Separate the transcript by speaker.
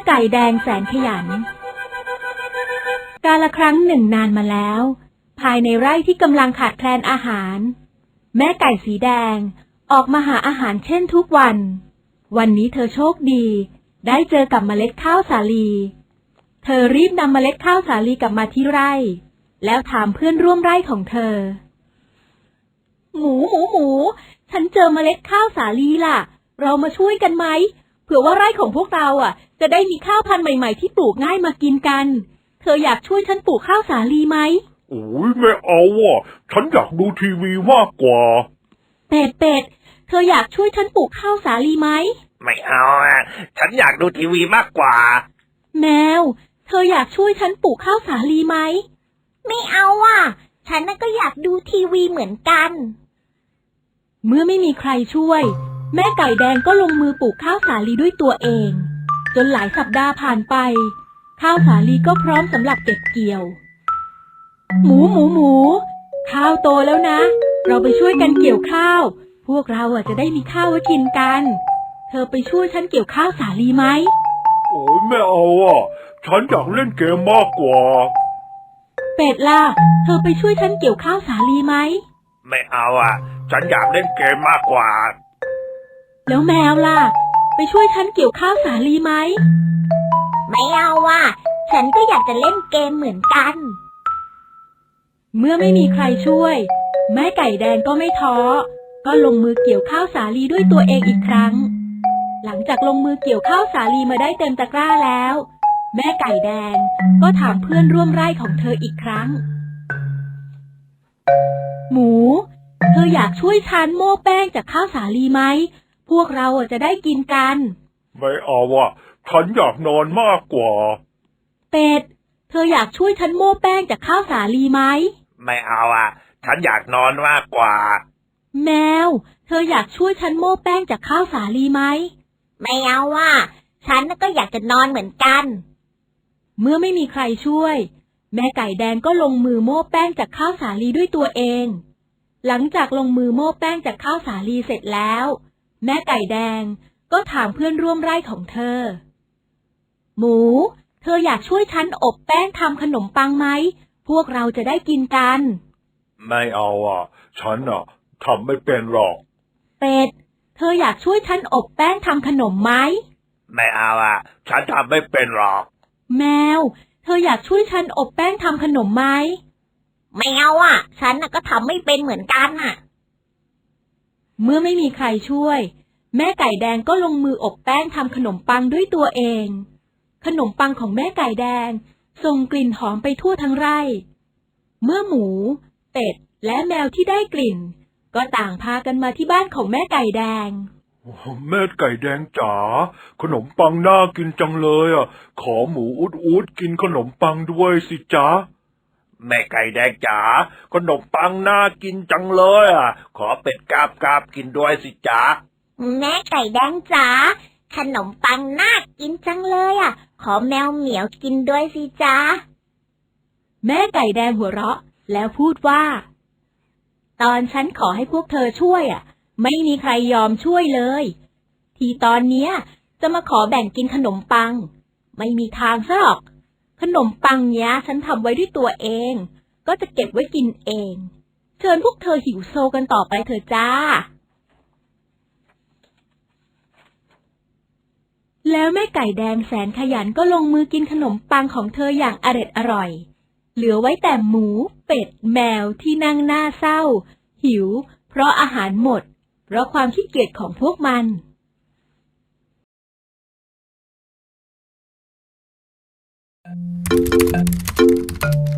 Speaker 1: ไก่แดงแสนขยันกาลครั้งหนึ่งนานมาแล้วภายในไร่ที่กำลังขาดแคลนอาหารแม่ไก่สีแดงออกมาหาอาหารเช่นทุกวันวันนี้เธอโชคดีได้เจอกับเมล็ดข้าวสาลีเธอรีบนำเมล็ดข้าวสาลีกลับมาที่ไร่แล้วถามเพื่อนร่วมไร่ของเธอหมูฉันเจอเมล็ดข้าวสาลีล่ะเรามาช่วยกันไหมเผื่อว่าไร่ของพวกเราจะได้มีข้าวพันธุ์ใหม่ๆที่ปลูกง่ายมากินกันเธออยากช่วยฉันปลูกข้าวสาลีไหม
Speaker 2: โอ้ยไม่เอาฉันอยากดูทีวีมากกว่า
Speaker 1: เป็ดเธออยากช่วยฉันปลูกข้าวสาลีไหม
Speaker 3: ไม่เอาฉันอยากดูทีวีมากกว่า
Speaker 1: แมวเธออยากช่วยฉันปลูกข้าวสาลีไหม
Speaker 4: ไม่เอาฉันก็อยากดูทีวีเหมือนกัน
Speaker 1: เมื่อไม่มีใครช่วยแม่ไก่แดงก็ลงมือปลูกข้าวสาลีด้วยตัวเองจนหลายสัปดาห์ผ่านไปข้าวสาลีก็พร้อมสำหรับเก็บเกี่ยวหมูข้าวโตแล้วนะเราไปช่วยกันเกี่ยวข้าวพวกเราจะได้มีข้าวไว้กินกันเธอไปช่วยฉันเกี่ยวข้าวสาลีไหม
Speaker 2: โอ้ยไม่เอาฉันอยากเล่นเกมมากกว่า
Speaker 1: เป็ดล่ะเธอไปช่วยฉันเกี่ยวข้าวสาลีไหม
Speaker 3: ไม่เอาฉันอยากเล่นเกมมากกว่า
Speaker 1: แล้วแมวล่ะไปช่วยฉันเกี่ยวข้าวสาลีไหม
Speaker 4: ไม่เอาฉันก็อยากจะเล่นเกมเหมือนกัน
Speaker 1: เมื่อไม่มีใครช่วยแม่ไก่แดงก็ไม่ท้อก็ลงมือเกี่ยวข้าวสาลีด้วยตัวเองอีกครั้งหลังจากลงมือเกี่ยวข้าวสาลีมาได้เต็มตะกร้าแล้วแม่ไก่แดงก็ถามเพื่อนร่วมไร่ของเธออีกครั้งหมูเธออยากช่วยฉันโม่แป้งจากข้าวสาลีไหมพวกเราจะได้กินกัน
Speaker 2: ไม่เอาฉันอยากนอนมากกว่า
Speaker 1: เป็ดเธออยากช่วยฉันโม่แป้งจากข้าวสาลีไหม
Speaker 3: ไม่เอาฉันอยากนอนมากกว่า
Speaker 1: แมวเธออยากช่วยฉันโม่แป้งจากข้าวสาลีไหม
Speaker 4: ไม่เอาฉันก็อยากจะนอนเหมือนกัน
Speaker 1: เมื่อไม่มีใครช่วยแม่ไก่แดงก็ลงมือโม่แป้งจากข้าวสาลีด้วยตัวเองหลังจากลงมือโม่แป้งจากข้าวสาลีเสร็จแล้วแม่ไก่แดงก็ถามเพื่อนร่วมไร่ของเธอหมูเธออยากช่วยฉันอบแป้งทำขนมปังไหมพวกเราจะได้กินกัน
Speaker 2: ไม่เอาฉันทำไม่เป็นหรอก
Speaker 1: เป็ดเธออยากช่วยฉันอบแป้งทำขนมไหม
Speaker 3: ไม่เอาฉันทำไม่เป็นหรอก
Speaker 1: แมวเธออยากช่วยฉันอบแป้งทำขนมไหม
Speaker 4: ไม่เอาฉันก็ทำไม่เป็นเหมือนกัน
Speaker 1: เมื่อไม่มีใครช่วยแม่ไก่แดงก็ลงมืออบแป้งทำขนมปังด้วยตัวเองขนมปังของแม่ไก่แดงส่งกลิ่นหอมไปทั่วทั้งไร่เมื่อหมูเป็ดและแมวที่ได้กลิ่นก็ต่างพากันมาที่บ้านของแม่ไก่แดง
Speaker 2: แม่ไก่แดงจ๋าขนมปังน่ากินจังเลยขอหมูอุดกินขนมปังด้วยสิจ๊ะ
Speaker 3: แม่ไก่แดงจ๋าขนมปังน่ากินจังเลยขอเป็ดกาบกินด้วยสิจ๊ะ
Speaker 4: แม่ไก่แดงจ๋าขนมปังน่ากินจังเลยขอแมวเหมียวกินด้วยสิจ๊ะ
Speaker 1: แม่ไก่แดงหัวเราะแล้วพูดว่าตอนฉันขอให้พวกเธอช่วยไม่มีใครยอมช่วยเลยทีตอนเนี้ยจะมาขอแบ่งกินขนมปังไม่มีทางซะหรอกขนมปังเนี้ยฉันทำไว้ด้วยตัวเองก็จะเก็บไว้กินเองเชิญพวกเธอหิวโซกันต่อไปเถอะจ้าแล้วแม่ไก่แดงแสนขยันก็ลงมือกินขนมปังของเธออย่างอร่อยเหลือไว้แต่หมูเป็ดแมวที่นั่งหน้าเศร้าหิวเพราะอาหารหมดเพราะความขี้เกียจของพวกมัน